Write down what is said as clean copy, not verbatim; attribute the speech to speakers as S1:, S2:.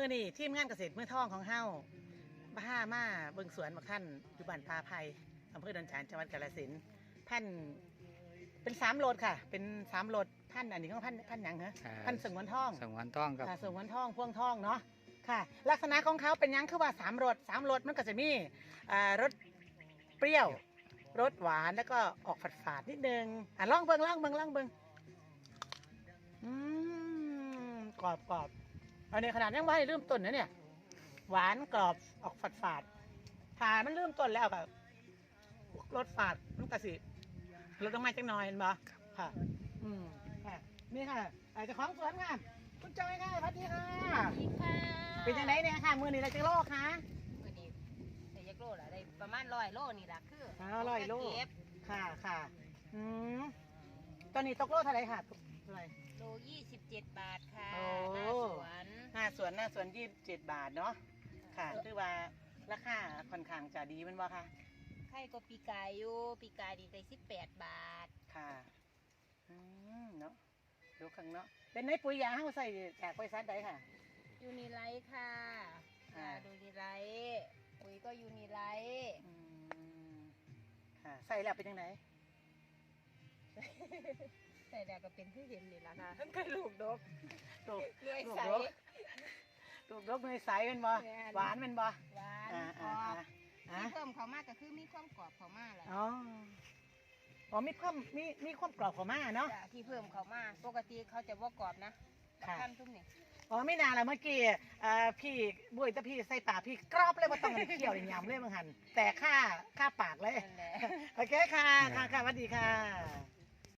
S1: อนี่ทีมงานเกษตรมือทองของเฮาบ้ามาเบิ่งสวนบักท่านอยู่บ้านปาไผ่อำเภอดอนจานจังหวัดกาฬสินธุ์พันธุ์เป็น3 โลดค่ะ เป็น3 โลดพันธุ์อันนี้ของพันธุ์หยังเหรอพันธุ์สงวนทอง
S2: สงวนทองครับ
S1: สงวนทองพ่วงทองเนาะค่ะ ลักษณะของเขาเป็นหยังคือว่า3 รสมันก็จะมีรสเปรี้ยวรสหวานแล้วก็ออกฝาดๆนิดนึงลองเบิ่งกรอบเอาในขนาดยังไม่ได้เริ่มต้นนะเนี่ยหวานกรอบออกฝาดๆถ้ามันเริ่มต้นแล้วแบบรสฝาดมันก็สิรสต้องมาจังหน่อยเห็นบ่ค่ะค่ะนี่ค่ะเจ้าของสวนค่ะคุณจอยค่ะสวัสดีค่ะ
S3: ดีค่ะ
S1: เป็นยังไงเนี่ยค่ะมือนี้เราจะโลคะ
S3: มื้อนี้ได้ยักโลละได้ประมาณ100 โลนี่ล่ะคือ
S1: 100 โล
S3: เก็บ
S1: ค่ะตอนนี้ตกโลเท่าไหร่ค่ะตกเท่าไหร่
S3: โล27 บาทค่ะ
S1: โอ้
S3: หน้าสวน
S1: หน้าสวน27 บาทเนาะค่ะคือว่าราคาค่อนข้างจะดีมันว่าค่ะ
S3: ไข่ก็ปีกายอยู่ปีกายดีได้18 บาท
S1: ค่ะเนาะดูข้างเนาะเป็นในปุ๋ยยาเฮาใส่จากบริษัทใดค่ะ
S3: ยูนิไลท์ค่ะ
S1: อ่า
S3: ยูนิไลท์ปุ๋ยก็ยูนิไลท์
S1: ค่ะใส่แล้วเป็นยังไง
S3: ใส่แล้วก็เป็นที่เห็นนี่ล่ะค่ะทั้งเคยลูกดก
S1: ลูก
S3: เลื่อยใส
S1: ลูกดกในใสเป็นบ่
S3: แม่น
S1: หวานเป็นบ่
S3: หวาน
S1: อ่าก
S3: รอบ
S1: อ่า
S3: ที่เพิ่มเขามากก็คือมีความกรอบเขามากแหละ
S1: อ๋อมีความกรอบของมาเนาะ
S3: จ้ะที่เพิ่มเขามาปกติเขาจะว่ากรอบนะ
S1: ค่ะ
S3: ขั้นทุ่มนี่
S1: อ๋อไม่นานแล้วเมื่อกี้พี่บุ้ยแต่พี่ใส่ปากพี่กรอบเลยว่าต้องเคี่ยวอย่างยำเลยบางหันแต่ค่าปากเลย
S3: นั่นแหละ
S1: โอเคค่ะสวัสดีค่ะ